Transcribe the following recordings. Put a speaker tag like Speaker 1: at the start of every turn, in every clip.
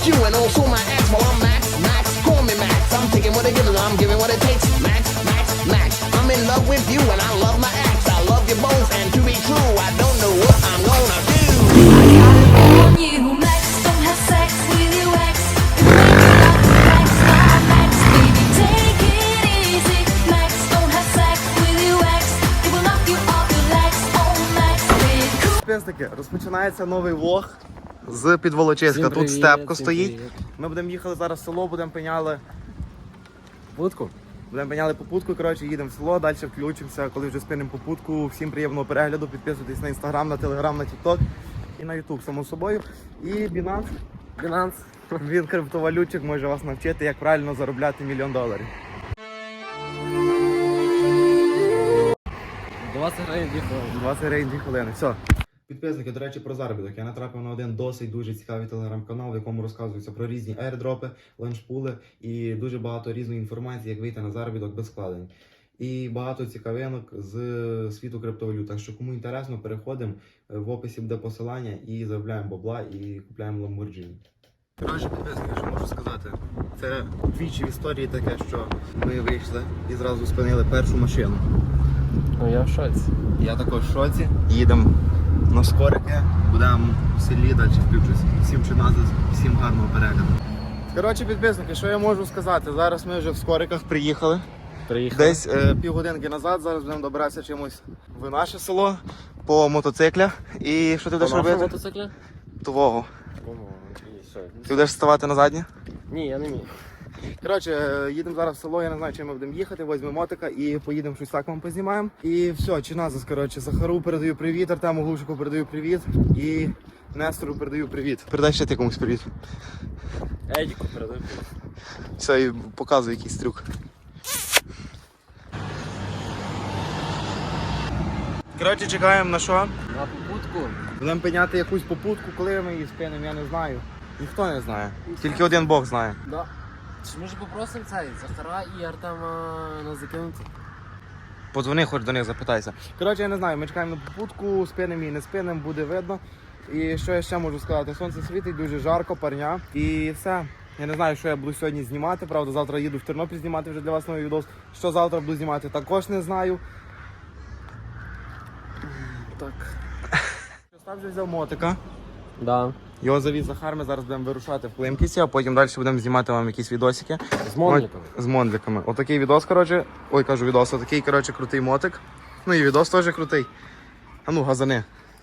Speaker 1: you and also my ex. Well, I'm Max, Max, call me Max. I'm taking what it gives and I'm giving what it takes. Max, Max, Max. I'm in love with you and I love my ex. I love you both and to be true, I don't know what I'm gonna do.
Speaker 2: I got it on you, Max. Don't have sex with your ex. Max, Max, baby, take it easy. Max, don't have sex with your ex. It will knock you off your legs. Oh, Max, baby, cool.
Speaker 3: Підписники, розпочинається новий влог з Підволочиська. Тут Степко стоїть. Ми будемо їхали зараз в село, будемо пеняли
Speaker 4: Будку?
Speaker 3: Будемо пеняли попутку, коротше, їдемо в село, далі включимося, коли вже спинимо попутку. Всім приємного перегляду, підписуйтесь на інстаграм, на телеграм, на тікток і на ютуб, само собою. І Binance, він криптовалютчик, може вас навчити, як правильно заробляти $1 мільйон.
Speaker 4: 20 гривень 2 хвилини.
Speaker 3: 20 гривень 2 хвилини. Все. Підписники, до речі, про заробіток. Я натрапив на один досить дуже цікавий телеграм-канал, в якому розказується про різні аірдропи, ланчпули і дуже багато різної інформації, як вийти на заробіток без вкладень. І багато цікавинок з світу криптовалют. Так що кому інтересно, переходимо, в описі буде посилання і заробляємо бабла і купляємо Lamborghini. Коротше, підписники, що можу сказати? Це двічі в історії таке, що ми вийшли і зразу спинили першу машину.
Speaker 4: Ну я в шоці.
Speaker 3: Я також в шоці. Їдемо на скорики, будемо в селі, далі включусь. Всім чиназис, всім гарного перегляду. Коротше, підписники, що я можу сказати? Зараз ми вже в скориках приїхали. Десь півгодинки назад, зараз будемо добиратися чимось в наше село по мотоциклях. І що ти будеш робити?
Speaker 4: Мотоциклі?
Speaker 3: Твого.
Speaker 4: Що?
Speaker 3: Ти будеш ставати на заднє?
Speaker 4: Ні, я не вмію.
Speaker 3: Коротше, їдемо зараз в село, я не знаю, чим ми будемо їхати, візьмемо мотика і поїдемо щось так вам познімаємо. І все, чиназис, коротше, Захару передаю привіт, Артему Глушику передаю привіт і Нестору передаю привіт. Передай ще ти комусь привіт.
Speaker 4: Едіку передаю.
Speaker 3: Все, і показуй якийсь трюк. Коротше, чекаємо на що?
Speaker 4: На попутку.
Speaker 3: Будемо пеняти якусь попутку, коли ми її спинимо, я не знаю. Ніхто не знає. Тільки один Бог знає.
Speaker 4: Да. Чи може попросимо цей Захара і Артема нас закинути?
Speaker 3: Подзвони хоч до них, запитайся. Коротше, я не знаю, ми чекаємо на попутку, спинемо і не спинемо, буде видно. І що я ще можу сказати? Сонце світить, дуже жарко, парня. І все. Я не знаю, що я буду сьогодні знімати, правда, завтра їду в Тернопіль знімати вже для вас новий відос. Що завтра буду знімати, також не знаю.
Speaker 4: Так.
Speaker 3: Остап вже взяв мотика.
Speaker 4: Да.
Speaker 3: Його завіз Захар, ми зараз будемо вирушати в Климківці, а потім далі будемо знімати вам якісь відосики.
Speaker 4: З монліками.
Speaker 3: З монліками. Отакий відос, коротше. Ой, кажу відос, отакий, коротше, крутий мотик. Ну і відос теж крутий. А ну, газани.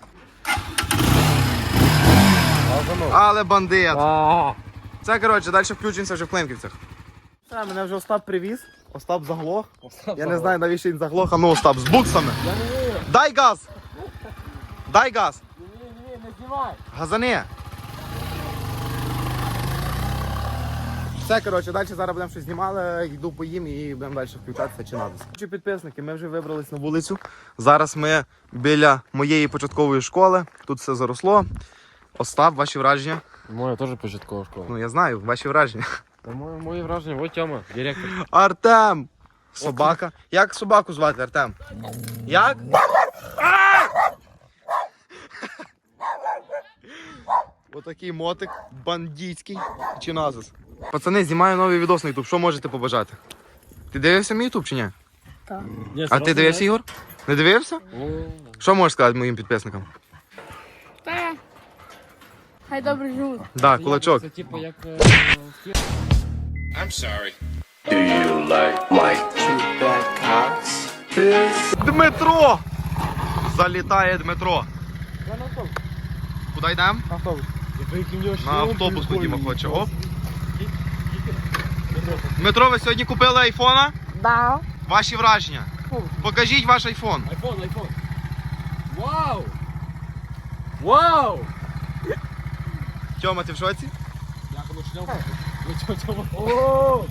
Speaker 3: Але бандит. Це, коротше, далі включимося вже в Климківцях. Все, мене вже Остап привіз. Остап заглох. Я не знаю, навіщо він заглох. А ну, Остап, з буксами.
Speaker 4: Я не вмію.
Speaker 3: Дай газ! Дай газ!
Speaker 4: Не знімай.
Speaker 3: Газани! Все, коротше, далі зараз будемо щось знімали, йду поїм і будемо далі включатися чи надо. Підписники, ми вже вибрались на вулицю. Зараз ми біля моєї початкової школи. Тут все заросло. Остап, ваші враження?
Speaker 4: Моя теж початкова школа.
Speaker 3: Ну я знаю, ваші враження.
Speaker 4: Мої враження, ось Тьома, директор.
Speaker 3: Артем! Собака. Як собаку звати, Артем? Як? Отакий мотик бандитський чи назис. Пацани, знімаю новий відос на ютуб. Що можете побажати? Ти дивився мій ютуб чи ні?
Speaker 2: Так.
Speaker 3: А ти дивився, Ігор? Не дивився? Що можеш сказати моїм підписникам?
Speaker 2: Та. Хай добре живуть.
Speaker 3: Да, кулачок.
Speaker 4: Це типу як...
Speaker 3: Дмитро! Залітає Дмитро. Я на автобус. Куди йдемо? Автобус. На автобус ходімо, хоче. Оп. Дмитро, ви сьогодні купили айфона?
Speaker 2: Да.
Speaker 3: Ваші враження? Покажіть ваш айфон.
Speaker 4: Айфон. Вау! Вау!
Speaker 3: Тьома, ти в шоці?
Speaker 4: Як воно шльом? О!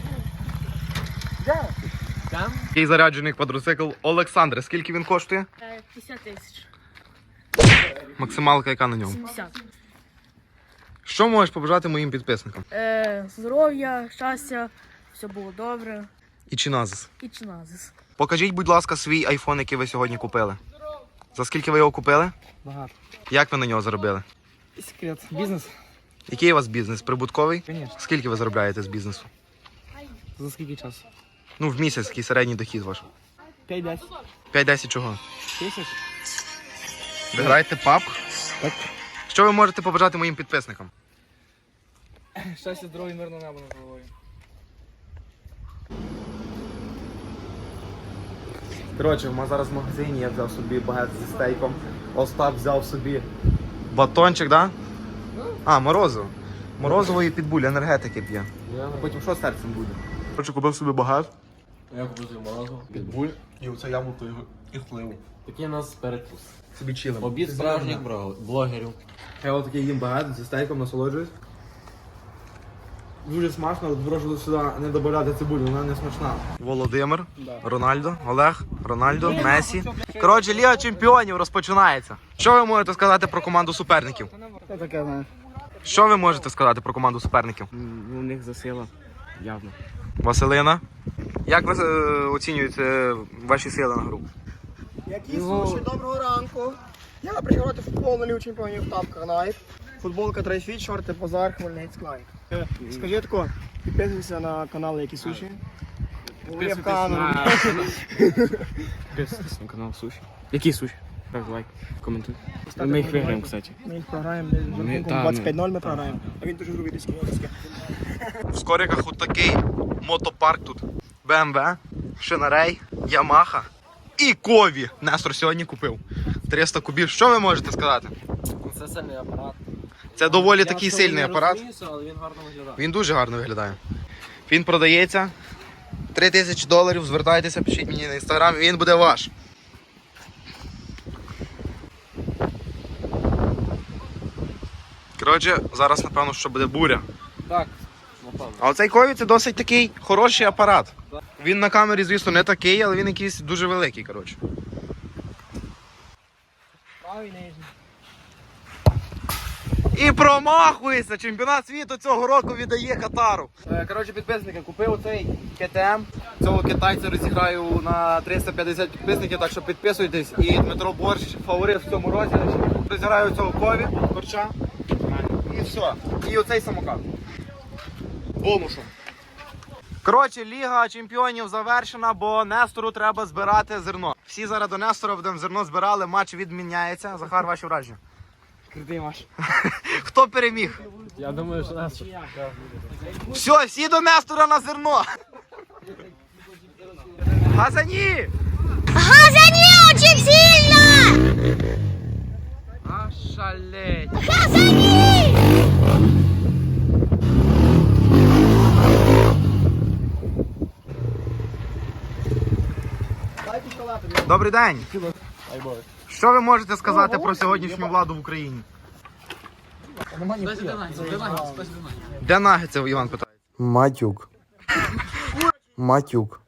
Speaker 4: Там?
Speaker 3: Такий заряджений квадроцикл Олександр. Скільки він коштує?
Speaker 2: 50 тисяч.
Speaker 3: Максималка яка на ньому?
Speaker 2: 70.
Speaker 3: Що можеш побажати моїм підписникам?
Speaker 2: Здоров'я, щастя, все було добре.
Speaker 3: І чиназис.
Speaker 2: І чиназис.
Speaker 3: Покажіть, будь ласка, свій айфон, який ви сьогодні купили. За скільки ви його купили?
Speaker 4: Багато.
Speaker 3: Як ви на нього заробили?
Speaker 4: Секрет. Бізнес.
Speaker 3: Який у вас бізнес? Прибутковий?
Speaker 4: Конечно.
Speaker 3: Скільки ви заробляєте з бізнесу?
Speaker 4: За скільки часу?
Speaker 3: Ну, в місяць, який середній дохід ваш?
Speaker 4: 5-10
Speaker 3: 5-10 чого?
Speaker 4: тисяч.
Speaker 3: Ви граєте паб?
Speaker 4: Так.
Speaker 3: Що ви можете побажати моїм підписникам?
Speaker 4: Щастя, здоров'я, мирного неба над головою.
Speaker 3: Коротше, ми зараз в магазині, я взяв собі багет зі стейком. Остап взяв собі батончик, да? А, морозиво. Морозиво і підбуль, енергетики п'є. Потім що з серцем буде? Коротше, купив собі багет.
Speaker 4: Я купив собі морозиво.
Speaker 3: Підбуль і оце яблуко і хливу.
Speaker 4: Такий у нас перекус.
Speaker 3: Собі чилим.
Speaker 4: Обід справжніх блогерів.
Speaker 3: Я отакий їм багет зі стейком, насолоджуюсь. Дуже смачно, але прошу сюди не додавати цибулю, вона не смачна. Володимир, Рональдо, Олег, Рональдо, Месі. Коротше, Ліга Чемпіонів розпочинається. Що ви можете сказати про команду суперників?
Speaker 4: Це таке, знаєш.
Speaker 3: Що ви можете сказати про команду суперників?
Speaker 4: У них засила, явно.
Speaker 3: Василина. Як ви оцінюєте ваші сили на гру?
Speaker 5: Які суші, доброго ранку. Я приїхав грати в футбол на Лігу Чемпіонів тапках Nike. Футболка Трейфіт, шорти Базар, Хмельницьк Nike. Скажи тако, підписуйся на канал Які суші. Говори в камеру.
Speaker 4: Підписуйтесь на канал Суші. Які суші? Так, лайк, коментуй. Ми їх виграємо, кстати.
Speaker 5: Ми їх програємо, десь з рахунком 25-0 ми програємо. А він дуже грубий диски.
Speaker 3: В Скориках от такий мотопарк тут. BMW, Шинарей, Ямаха і Кові. Нестор сьогодні купив. 300 кубів. Що ви можете сказати?
Speaker 4: Це сильний апарат.
Speaker 3: Це доволі такий сильний апарат.
Speaker 4: Але він гарно виглядає.
Speaker 3: Він дуже гарно виглядає. Він продається. $3000. Звертайтеся, пишіть мені на інстаграм, і він буде ваш. Коротше, зараз напевно, що буде буря.
Speaker 4: Так, напевно.
Speaker 3: А оцей Кові це досить такий хороший апарат. Він на камері, звісно, не такий, але він якийсь дуже великий, коротше.
Speaker 5: Правий нижній.
Speaker 3: І промахується! Чемпіонат світу цього року віддає Катару. Коротше, підписники, купив оцей КТМ. Цього китайця розіграю на 350 підписників, так що підписуйтесь. І Дмитро Борщ, фаворит в цьому розіграші. Розіграю цього Кові, корча. І все. І оцей самокат. Бонусом. Коротше, Ліга Чемпіонів завершена, бо Нестору треба збирати зерно. Всі зараз до Нестора будемо зерно збирали, матч відміняється. Захар, ваші враження.
Speaker 4: Крутий ваш.
Speaker 3: Хто переміг?
Speaker 4: Я думаю, що нас.
Speaker 3: Все, всі до Нестора на зерно. Газані!
Speaker 6: Газани очень сильно!
Speaker 3: А шалеть.
Speaker 6: Газани!
Speaker 3: Добрий день. Що ви можете сказати про сьогоднішню владу в Україні? Де нагетси, Іван питає? Матюк. Матюк.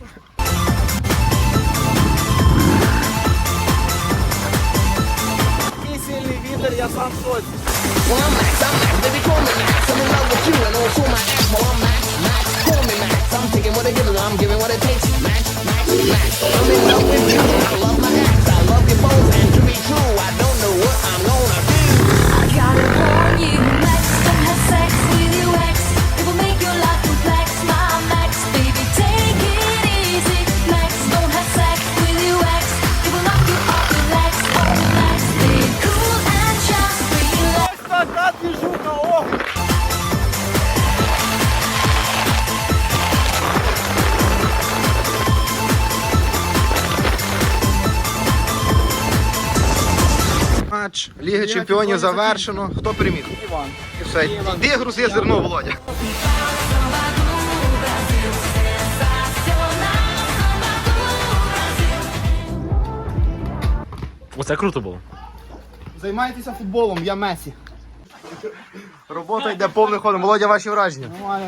Speaker 5: Такий сильний вітер, я сам в шоці.
Speaker 1: Well, I'm Max, baby, call me Max. I'm in love with you and also my ex. Well, I'm Max, call me Max. I'm taking what it gives, I'm giving what it takes. Max, I'm in love with you and I love my ex. I love you both, and to be true, I don't know what I'm gonna do.
Speaker 2: I gotta warn you, Max, don't have sex with your ex. It will make your life complex, my Max, baby, take it easy. Max, don't have sex with your ex. It will knock you off your legs. Oh, Max, be cool and just relax.
Speaker 5: Така двіжуха, ох!
Speaker 3: Матч Ліги Чемпіонів завершено. Хто переміг?
Speaker 5: Іван.
Speaker 3: І все. Іди грузи зерно, Володя.
Speaker 4: Оце круто було.
Speaker 3: Займайтеся футболом, я Месі. Робота йде повним ходом. Володя, ваші враження?
Speaker 5: Нормально.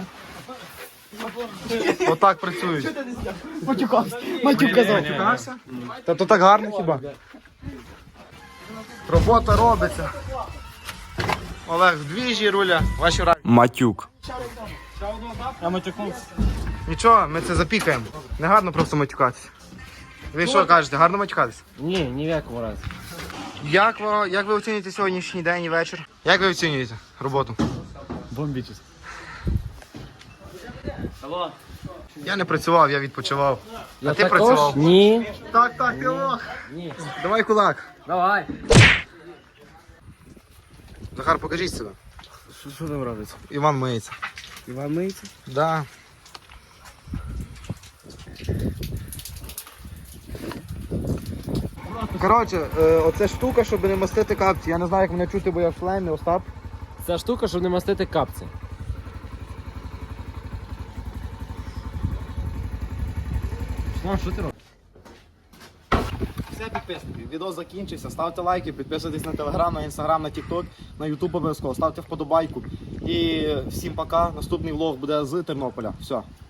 Speaker 3: Отак працюють.
Speaker 5: Матюкався. Матюк казав.
Speaker 3: Та то так гарно хіба? Робота робиться. Олег, в двіжі руля. Ваші враження? Матюк.
Speaker 5: Я матюкнувся.
Speaker 3: Нічого, ми це запікаємо. Не гарно просто матюкатися. Ви що кажете, гарно матюкатися?
Speaker 4: Ні, ні в якому разі.
Speaker 3: Як ви оцінюєте сьогоднішній день і вечір? Як ви оцінюєте роботу?
Speaker 4: Бомбічись. Алло.
Speaker 3: Я не працював, я відпочивав.
Speaker 4: Я
Speaker 3: А ти
Speaker 4: також?
Speaker 3: працював?
Speaker 4: Ні.
Speaker 5: Так, ти лох.
Speaker 4: Ні.
Speaker 3: Давай кулак.
Speaker 4: Давай.
Speaker 3: Захар, покажіть себе.
Speaker 4: Що там робиться?
Speaker 3: Іван миється.
Speaker 4: Іван миється?
Speaker 3: Да. Коротше, оце штука, щоб не мастити капці. Я не знаю, як мене чути, бо я в шлемі, Остап.
Speaker 4: Ця штука, щоб не мастити капці. Що ти робиш?
Speaker 3: Все, підписники, відео закінчився. Ставте лайки, підписуйтесь на телеграм, на інстаграм, на тікток, на ютуб обов'язково. Ставте вподобайку. І всім пока. Наступний влог буде з Тернополя. Все.